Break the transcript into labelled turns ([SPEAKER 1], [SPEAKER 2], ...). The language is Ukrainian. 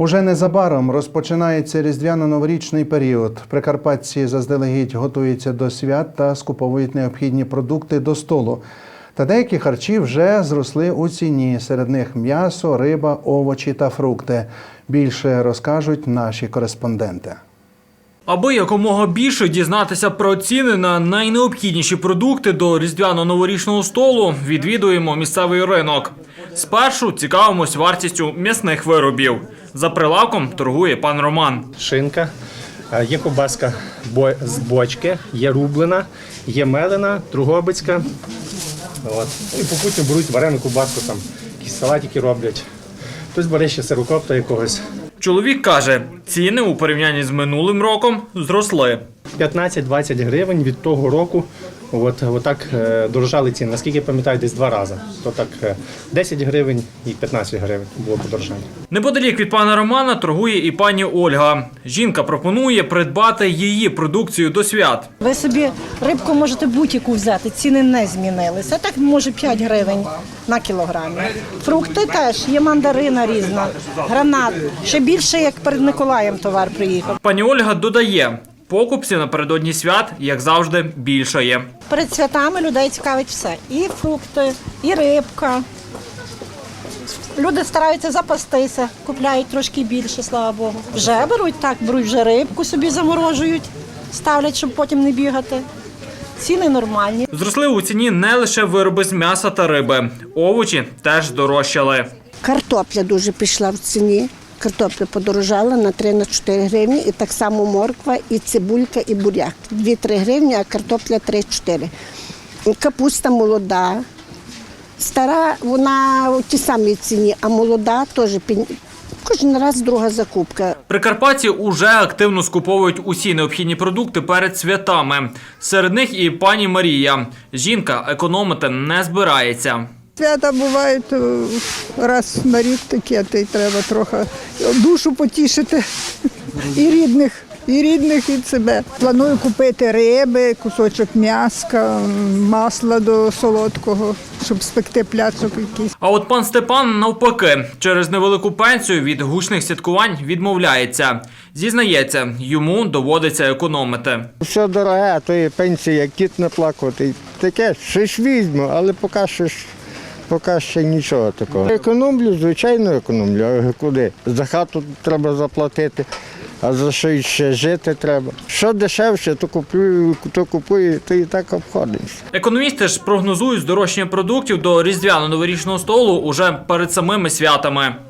[SPEAKER 1] Уже незабаром розпочинається різдвяно-новорічний період. Прикарпатці заздалегідь готуються до свят та скуповують необхідні продукти до столу. Та деякі харчі вже зросли у ціні. Серед них м'ясо, риба, овочі та фрукти. Більше розкажуть наші кореспонденти.
[SPEAKER 2] Аби якомога більше дізнатися про ціни на найнеобхідніші продукти до різдвяно-новорічного столу, відвідуємо місцевий ринок. Спершу цікавимось вартістю м'ясних виробів. За прилавком торгує пан Роман.
[SPEAKER 3] Шинка, є ковбаска з бочки, є рублена, є мелена, Дрогобицька. І попутно беруть варену ковбаску, там якісь салатики роблять. Хтось бере ще сирокопта якогось.
[SPEAKER 2] Чоловік каже, ціни у порівнянні з минулим роком зросли.
[SPEAKER 3] 15-20 гривень від того року отак дорожали ціни. Наскільки я пам'ятаю, десь 2 рази. То так 10 гривень і 15 гривень було подорожання.
[SPEAKER 2] Неподалік від пана Романа торгує і пані Ольга. Жінка пропонує придбати її продукцію до свят.
[SPEAKER 4] Ви собі рибку можете будь-яку взяти, ціни не змінилися. Так може 5 гривень на кілограмі. Фрукти теж, є мандарина різна, гранат. Ще більше, як перед Миколаєм товар приїхав.
[SPEAKER 2] Пані Ольга додає, покупців напередодні свят, як завжди, більшає.
[SPEAKER 4] Перед святами людей цікавить все. І фрукти, і рибка. Люди стараються запастися, купляють трошки більше, слава Богу. Вже беруть вже рибку собі заморожують, ставлять, щоб потім не бігати. Ціни нормальні.
[SPEAKER 2] Зросли у ціні не лише вироби з м'яса та риби. Овочі теж дорожчали.
[SPEAKER 5] Картопля дуже пішла в ціні. Картопля подорожала на 3-4 гривні, і так само морква, і цибулька, і буряк. 2-3 гривні, а картопля 3-4. Капуста молода. Стара, вона у тій самій ціні, а молода теж кожен раз друга закупка.
[SPEAKER 2] Прикарпатці уже активно скуповують усі необхідні продукти перед святами. Серед них і пані Марія. Жінка економити не збирається.
[SPEAKER 6] Свята бувають раз на рік таке, то й треба трохи душу потішити і рідних, і себе. Планую купити риби, кусочок м'яска, масла до солодкого, щоб спекти пляцок якийсь.
[SPEAKER 2] А от пан Степан навпаки, через невелику пенсію від гучних святкувань відмовляється. Зізнається, йому доводиться економити.
[SPEAKER 7] Все дороге, а то є пенсія, як кіт не плакати. Таке, щось візьму, але поки ще нічого такого. Економлю, звичайно економлю, а куди? За хату треба заплатити, а за що ще жити треба. Що дешевше, то купую, то і так обходимося.
[SPEAKER 2] Економісти ж прогнозують здорожчання продуктів до різдвяно-новорічного столу уже перед самими святами.